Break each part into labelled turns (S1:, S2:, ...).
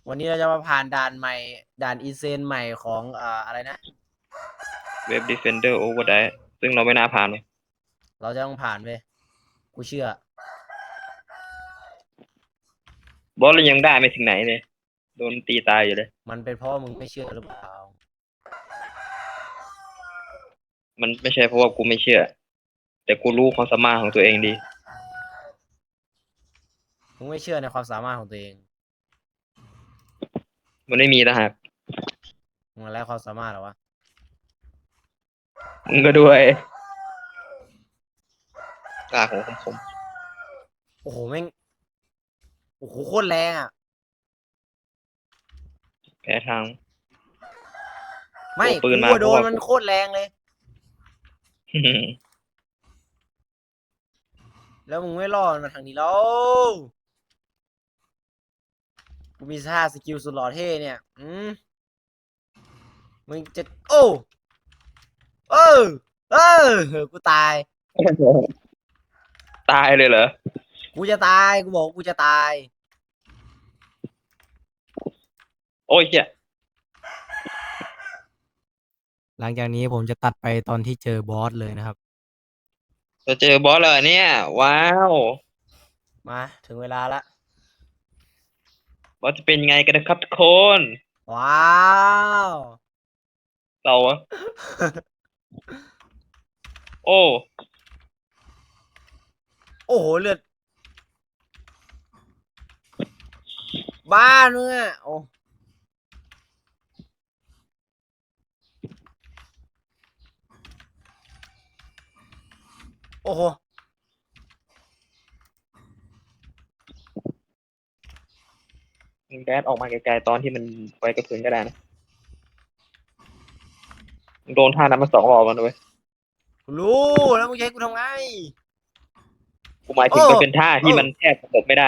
S1: วันนี้เราจะมาผ่านด่านใหม่ด่านอีเซนใหม่ของอะไรนะ
S2: เว็บ Defender Overdrive ซึ่งเราไม่น่าผ่านเลย
S1: เราจะต้องผ่านไปกูเชื่อ
S2: บอสเรายังได้ไม่ถึงไหนเลยโดนตีตายอยู่เลย
S1: มันเป็นเพราะว่ามึงไม่เชื่อหรือเปล่า
S2: มันไม่ใช่เพราะว่ากูไม่เชื่อ แต่กูรู้ความสามารถของตัวเองดี
S1: มึงไม่เชื่อในความสามารถของตัวเอง
S2: มันไม่มีนะฮะ
S1: มึงแล้วความสามารถเหรอวะ
S2: มึงก็ด้วยตาของผม
S1: โอ้โหแม่งโอ้โหโคตรแรงอ่ะ
S2: แพ้ทาง
S1: ไม่
S2: ตัวปื
S1: กู
S2: นมาเพราะว่า
S1: โดนมันโคตรแรงเลยแล้วมึงไม่รอดมาทางนี้แล้วกูมีท่าสกิลสุดหล่อเท่เนี่ยมึงจะโอ้เออเออกูตาย
S2: ตายเลยเหรอ
S1: กูจะตายกูบอกกูจะตาย
S2: โอ้ยเหี้ย
S1: หลังจากนี้ผมจะตัดไปตอนที่เจอบอสเลยนะครับ
S2: จะเจอบอสเลยเนี่ยว้าว
S1: มาถึงเวลาละ
S2: บอสจะเป็นยังไงกันนะครับทุกคน
S1: ว้าว
S2: เราอะโอ้
S1: โอ้โหเลือดบ้าเนื้อโอ้โอ้โห
S2: มึงแดดออกมาไกลๆตอนที่มันไปกระสุนก็ได้นะมึงโดนท่านั้นมา2 รอบมันเลย
S1: กูรู้แล้วมึงจะให้กูทำไง
S2: กูหมายถึ
S1: โอ้
S2: งมันเป็นท่า
S1: โอ้
S2: ที่มันแทบหลบไม่ได้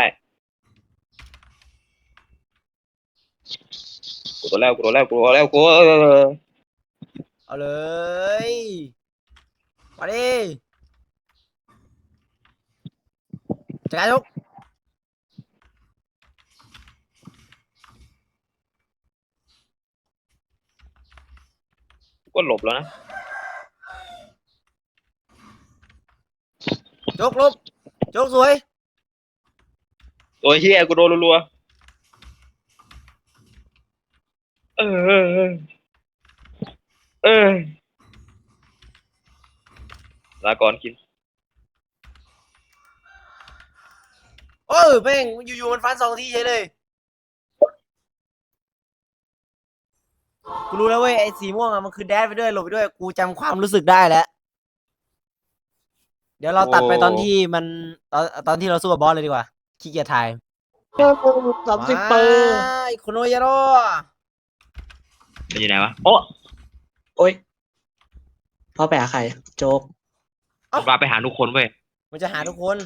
S2: กูตัวแล้วกูตัวแล้วกูตัวแล้วกู
S1: เอาเลยมาดิจัดการทุก
S2: ก็หลบแล้วนะ
S1: จกลบจกสวย
S2: ตัวเฮียกูโดนรัวๆเออลาก่อนกิน
S1: โอ้แม่งอยู่ๆมันฟัน2 ทีเฉยเลยกูรู้แล้วเว้ยไอ้สีม่วงอะมันคือแดดไปด้วยหลบไปด้วยกูจำความรู้สึกได้แล้วเดี๋ยวเรา
S2: โอ้
S1: ตัดไปตอนที่มันตอนที่เราสู้กับบอสเลยดีกว่าขี้เกียจถ่าย ว้
S2: 30 เปอร์
S1: ายคุณโอยาโร่
S2: มันอยู่ไหนวะโอ้
S3: โอ๊ยพ่อไปหาใครโจ๊ก
S2: มันมาไปหาทุกคนเว้ย
S1: มันจะหาทุกคน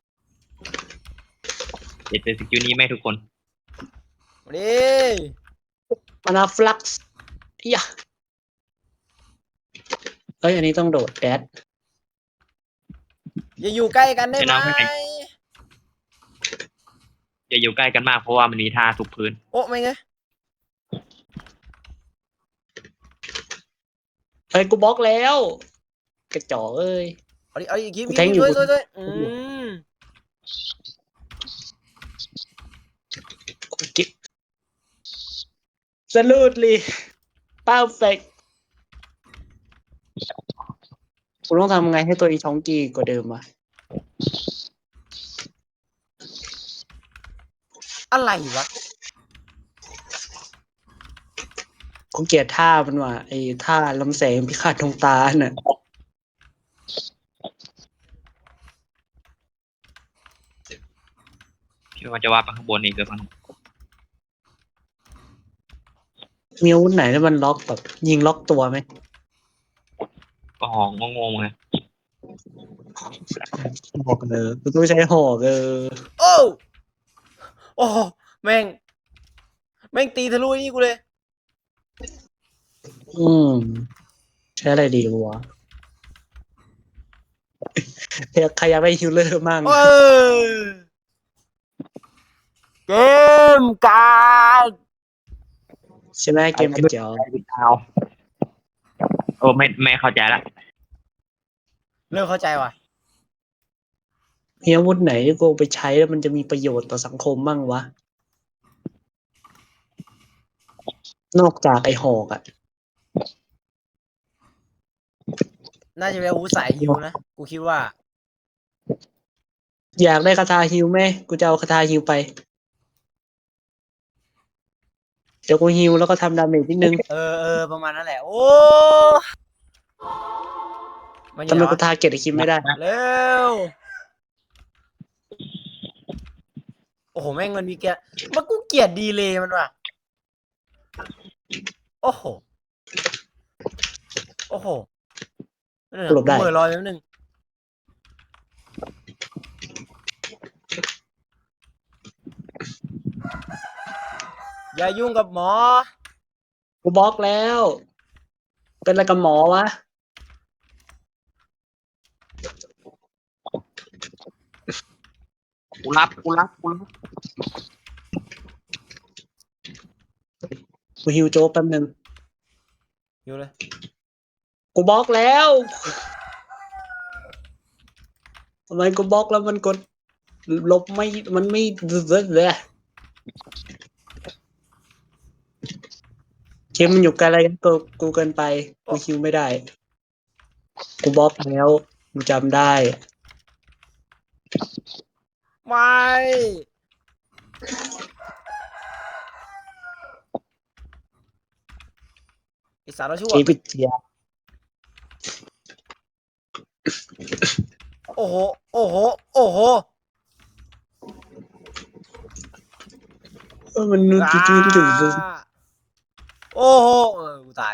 S2: เด็ดเป็นสกิลนี้ไม่ให้ทุกคน
S1: มาดิ
S3: มานาฟลักซ์ยะเอ้ยอันนี้ต้องโดดแดด
S1: อย่าอยู่ใกล้กันได้ไหม
S2: อย่าอยู่ใกล้กันมากเพราะว่ามันมีท่าทุบพื้น
S1: โอ้ไม่ไง
S3: เฮ้ยกูบล็อกแล้วกระจอกเอ้ย
S1: เอาดิคิม
S3: กูแทงอยู่
S1: ช่วยม
S3: กูกิ๊บสลูดลีเป้าเฟกกูต้องทำไงให้ตัวอีชองกีกว่าเดิมวะ
S1: อะไรวะ
S3: กูเกลียดท่ามันว่ะไอ้ท่าลำแสงพิฆาตดวงตาน่ะ
S2: คิดว่ามันจะว่าไปข้างบนอีกหรือเปล่า
S3: มีอาวุธไหนที่มันล็อกแบบยิงล็อกตัวไหม
S2: ก็หองงงๆไง
S3: หอกเลยกูต้องใช้หอก
S1: โอ้โอ้แม่งแม่งตีทะลุนี่กูเลย
S3: อืมใช้อะไรดีวะใครอยากได้ฮิลเลอร์มั่ง
S1: เออเกมการ์ด
S3: ใช่ไหมเกมกระจอก
S2: เอาโอ้ไม่เข้าใจละ
S1: เริ่มเข้าใจว่ะ
S3: มีอาวุธไหนที่กูไปใช้แล้วมันจะมีประโยชน์ต่อสังคมบ้างวะ นอกจากไอ้หอกอ่ะ
S1: น่าจะเป็นอาวุธสายฮิวนะ กูคิดว่า
S3: อยากได้คาถาฮิวไหมกูจะเอาคาถาฮิวไป เดี๋ยวกูฮิวแล้วก็ทำดาเมจนิดนึง
S1: ประมาณนั้นแหละ โอ้มันอ
S3: ทำ
S1: ยู่ไหน
S3: ไมกู
S1: วะ
S3: ทาร์เก็ตไอ้คิมไม่ได้
S1: เร็ว โอ้โห แม่งมันมีมันกูเกลียดดีเลยมันว่ะ โอ้โห โอ้โห
S3: หลบได้
S1: กูเหม่อลอยแป๊บนึง อย่ายุ่งกับหมอ
S3: กูบล็อกแล้ว เป็นอะไรกับหมอวะ
S2: กูรับ
S3: กูฮิวโจ๊กแป๊บนึง
S1: อยู่เลย
S3: กูบล็อกแล้วทำไมกูบล็อกแล้วมันกดลบไม่ มันไม่เลยเกมมันอยู่ไกลอะไรกันกูเกินไป กูฮิวไม่ได้ กูบล็อกแล้วกูจำได้
S1: ไม่ไอสารชั่ว
S3: เกมพิเจีย
S1: โอ้โห โอ้โห โอ้โห
S3: มันนู่นจุดจุด
S1: โอ้โห กูตาย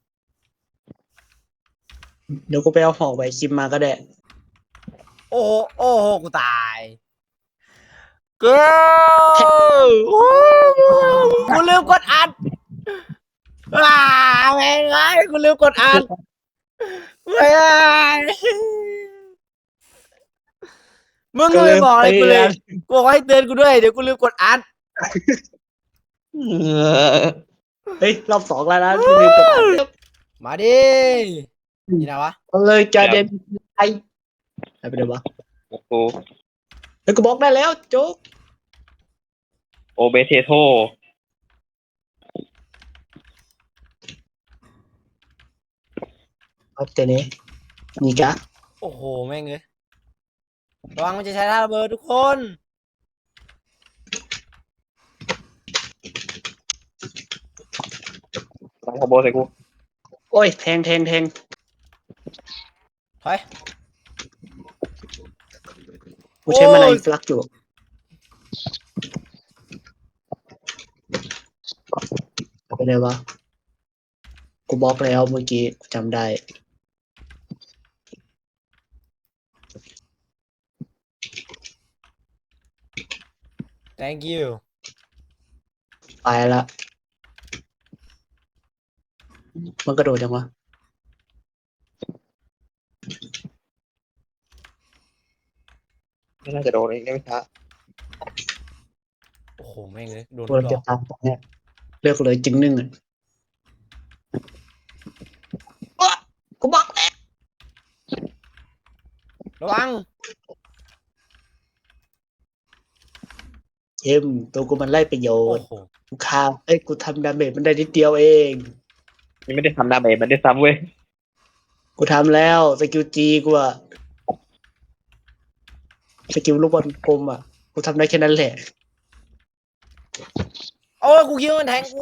S3: เดี๋ยวกูไปเอาหอกไปคิมมาก็ได้
S1: โอ้โห โอ้โห กูตายเกิกูลืมกดอัดแม่งไอ้กูลืมกดอัดไม่ไมึงก็ไม่บอกอะไรกูเลย กูบอกให้เตือนกูด้วย เดี๋ยวกูลืมกดอัด
S3: เฮ้ยรอบสองแล้วนะที่ลืมกดอัด
S1: มาดินี่นะวะ
S3: เอาเลยจอเดนไอไปเลยวะ
S2: กู
S3: เฮ้ยกูบล็อกได้แล้วโจ๊ก
S2: โอเบเทโท
S3: เอาเจเน่นี่กะ
S1: โอ้โห แม่งเลยระวังมันจะใช้ท่าระเบิดทุกคน
S2: ตั้งคอมโบใส่กู
S3: โอ้ยแทง
S1: ถอย
S3: กูใช้มานา
S1: โอ้ย
S3: ฟลักอยู่เอาไปเลยวะกูบล็อกแล้วเมื่อกี้กูจำได้
S1: thank you
S3: ไปละมันกระโดดจังวะ
S2: ไม่น่าจะโดนอีกได้ไม่ช้า
S1: โอ้โห แม่งเลยโดน
S3: กู
S1: หล
S3: จะ
S1: อก
S3: ตามตรงเนี้ยเลือกเลยจึงนึ่งอ่ะอ๊ะกูบล็อกแล้ว
S1: ระวัง
S3: เอ็มตัวกูมันไล่ประโย
S1: โอ้
S3: ชน์
S1: โห
S3: กูฆ่ากูทำดาเมจมันได้นิดเดียวเอง
S2: นี่ไม่ได้ทำดาเมจมันได้ซ้ำเว้ย
S3: กูทำแล้วสกิลจีกูอะสกิลลูกบอลกลมอะกูทำได้แค่นั้นแหละ
S1: โอ้ยกูคิดว่ามันแทงกู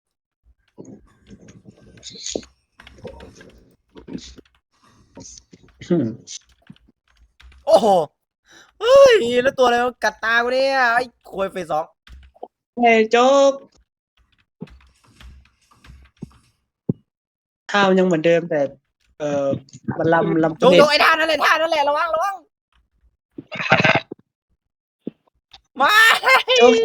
S3: อืม
S1: โอ้โห เฮ้ย แล้วตัวอะไรมันกัดตากูเนี่ยไอ้โคยเฟสสอง
S3: เฮ้ยโจ๊กท่ามันยังเหมือนเดิมแต่ มันลำ
S1: โจง
S3: เน็
S1: โจ
S3: ต
S1: งไอ้ท่านั่นแหละระวังมา
S3: โจ๊ก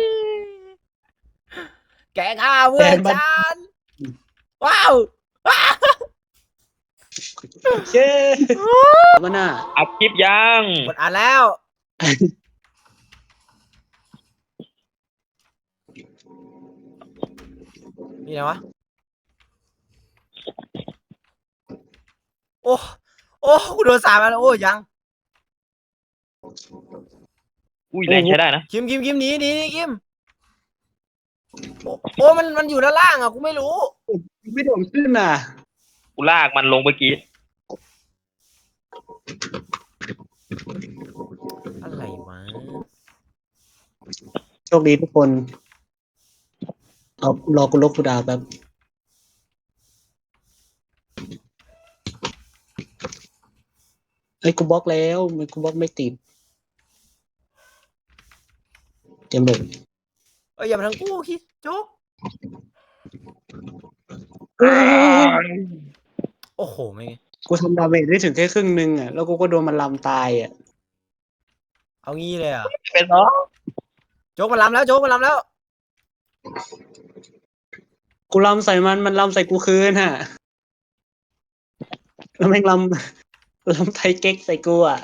S1: แกฆ่าเพื่อน
S3: แกมัน
S1: ฉันว้าว
S3: เย้มันน่ะ
S2: อัดคลิปยัง
S1: กดอ่านแล้ว นี่ไงวะโอ้โอ้กูโดนสาบแล้วโอ้ยัง
S2: อุ้ยแรงใช้ได้นะ
S1: คิมหนีคิมโอ้โอ้มันอยู่ด้านล่างอ่ะกูไม่รู้
S3: ไม่โดนขึ้นน่ะ
S2: กูลากมันลงเมื่อกี้
S1: อะไรวะ
S3: โชคดีทุกคน เอารอกูลบกูดาวแป๊บเฮ้ยกูบล็อกแล้วมันกูบล็อกไม่ติดเตรียมโหลด
S1: เอ้ยอย่ามาทางกูคิดโจ๊กโอ้โหไม่ง
S3: กูทำดาเมจได้ถึงแค่ครึ่งนึงอ่ะแล้วกูก็โดนมันลำตายอ่ะ
S1: เอางี้เลยอ่ะ
S2: เป็นเนาะ
S1: โจ๊กมันล้ำแล้วโจ๊กมันล้ำแล้ว
S3: กูลำใส่มันลำใส่กูคืนฮะแล้วแม่งลำไทยเก๊กใส่กูอ่ะ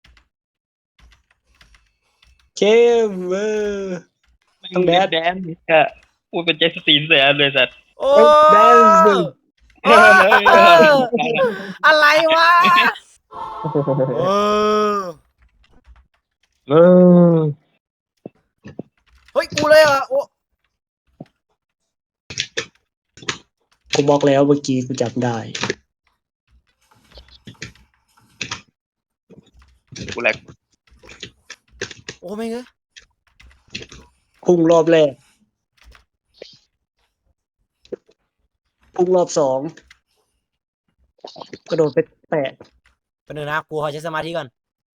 S3: เข้มต้องแดด
S2: แดนอะพูดเป็นเจสซีนเสียเลยสัตว์
S1: โอ้
S3: แดนซ์
S1: เอออะไรวะเออ
S2: เออ
S1: เฮ้ยกูเลยอ่ะโอ้
S3: กูบอกแล้วเมื่อกี้กูจับได้
S2: กูแหลก
S1: โอ้ไม่งเอ้ย
S3: พุ่งรอบแรกพุ่งรอบสองกระโดดไปแตะ
S1: เป็นหนึ่งนะกูขอใช้สมาธิก่อน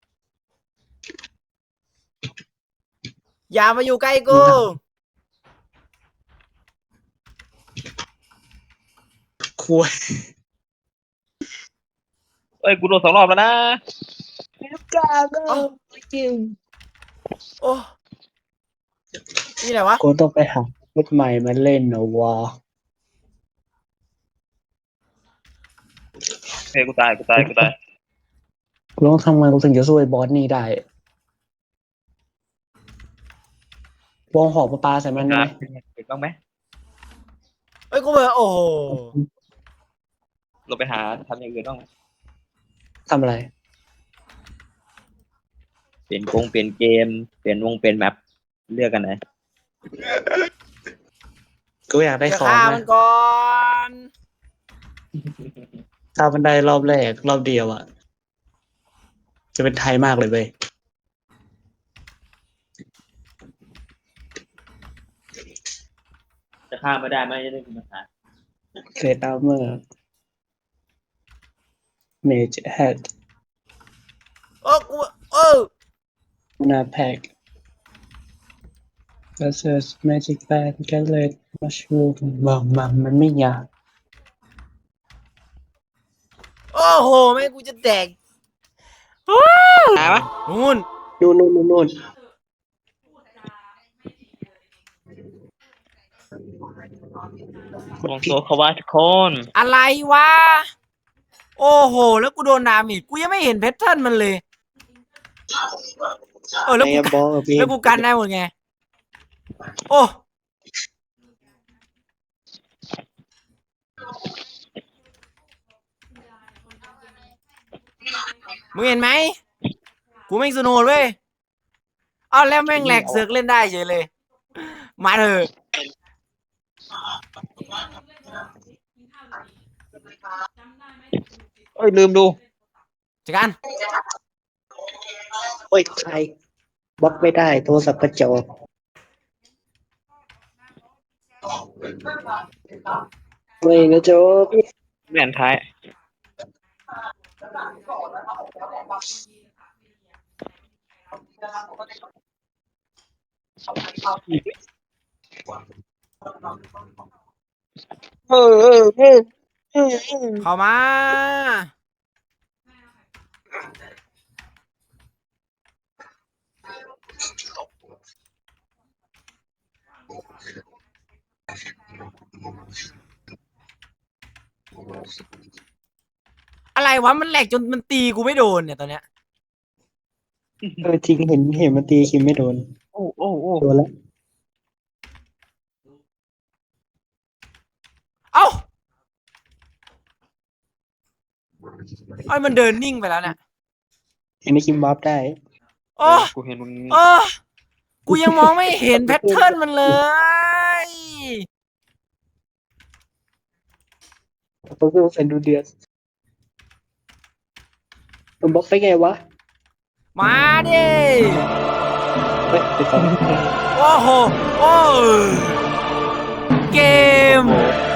S1: อย่ามาอยู่ใกล้กู
S3: คุย
S2: เอ้ยกูโดน2 รอบแล้วนะ
S3: กล้าก็จริง
S1: โอ้นี่อะไรวะ
S3: กูต้องไปหาชุดใหม่มาเล่นนะวะ
S2: เฮ้ยกูตาย
S3: กูต้องทำไงกูถึงจะสู้ไอ้บอสนี่ได้วงหอกปลาใส่มันได้ไหม
S2: เห็นบ้างไหม
S1: เอ้ยกูเบื่อโอ้โห
S2: เราไปหาทำอย่างอื่นบ้างไหม
S3: ทำอะไร
S2: เปลี่ยนเกมเปลี่ยนแมปเลือกกันไหน
S3: กูอยากได้
S1: จะ
S3: ของ
S1: ฆ่า
S3: นะ
S1: มันก่อน
S3: ถ้ามันได้รอบแรกรอบเดียวอ่ะ จะเป็นไทยมากเลยเว้ย
S2: จะฆ่าไม่ได้ไหมจะได้เป็นปัญหา
S3: เกรดอาร์เมอร์เมจแฮด
S1: โอ้กูเออ
S3: นาแพ็กกระเซิร์สแมจิกแบนแกเลตมัชรูมบอกมันไม่ยาก
S1: โอ้โหแม่งกูจะแดก
S2: ตายปะ
S1: นู่น
S3: นู่น
S2: ลองโซเขาว่าทุกคน
S1: อะไรวะโอ้โหแล้วกูโดนดาเมจกูยังไม่เห็นแพทเทิร์นมันเลยแล้ว
S3: ไอ้
S1: กู
S3: บอลพี่
S1: แล้วกูกันได้หมดไงโอ้มึงเห็นไหมกูแม่งสนุกเว้ยเอาแล้วแม่งแหลกเสือกเล่นได้เฉยเลยมาเถอะ
S2: เอ้ยลืมดู
S1: จัดการ
S3: โอ้ยใครบล็อกไม่ได้โทรศัพท์กระจอกไม่นะโจ๊ก
S2: แม่นท้ายเออ
S1: เข้ามาอะไรวะมันแหลกจนมันตีกูไม่โดนเนี่ยตอนเนี้ย
S3: จริงเห็นมันตีคิมไม่โดน
S2: โอ้
S3: โดนแล้ว
S1: เอ้าไอ้ยมันเดินนิ่งไปแล้วเนี่ย
S3: อันนี้คิมบอฟได้
S1: โอ้
S2: กูเห็นมึง
S1: โอ้กูยังมองไม่เห็นแพทเทิร์นมันเลย
S3: โอ้โหแฟนดูเดือดมันบล็อกได้ไงวะ
S1: มาดิ
S3: เฮ้ยไปต่อ
S1: โอ้โห โอ้เกม
S2: โอ้โห